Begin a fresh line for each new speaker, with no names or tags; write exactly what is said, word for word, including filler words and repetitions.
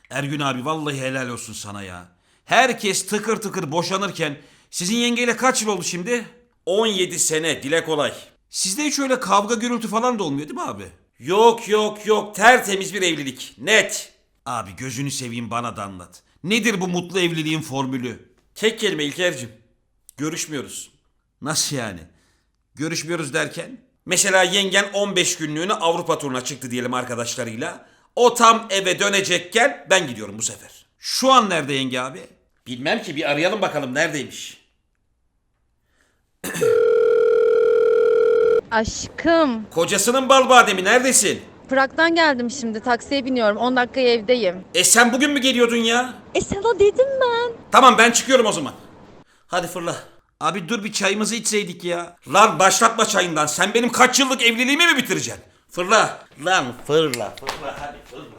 Ergün abi vallahi helal olsun sana ya. Herkes tıkır tıkır boşanırken sizin yengeyle kaç yıl oldu şimdi? on yedi sene, dile kolay. Sizde hiç öyle kavga gürültü falan da olmuyor değil mi abi? Yok yok yok, tertemiz bir evlilik, net. Abi gözünü seveyim, bana da anlat. Nedir bu mutlu evliliğin formülü? Tek kelime İlker'cim. Görüşmüyoruz. Nasıl yani? Görüşmüyoruz derken? Mesela yengen on beş günlüğüne Avrupa turuna çıktı diyelim arkadaşlarıyla. O tam eve dönecekken ben gidiyorum bu sefer. Şu an nerede yenge abi? Bilmem ki, bir arayalım bakalım neredeymiş.
Aşkım,
Kocasının bal bademi, neredesin?
Prag'dan geldim şimdi. Taksiye biniyorum. on dakikaya evdeyim.
E sen bugün mü geliyordun ya?
E sana dedim ben.
Tamam, ben çıkıyorum o zaman. Hadi fırla. Abi dur, bir çayımızı içseydik ya. Lan başlatma çayından. Sen benim kaç yıllık evliliğimi mi bitireceksin? Fırla. Lan fırla fırla hadi fırla.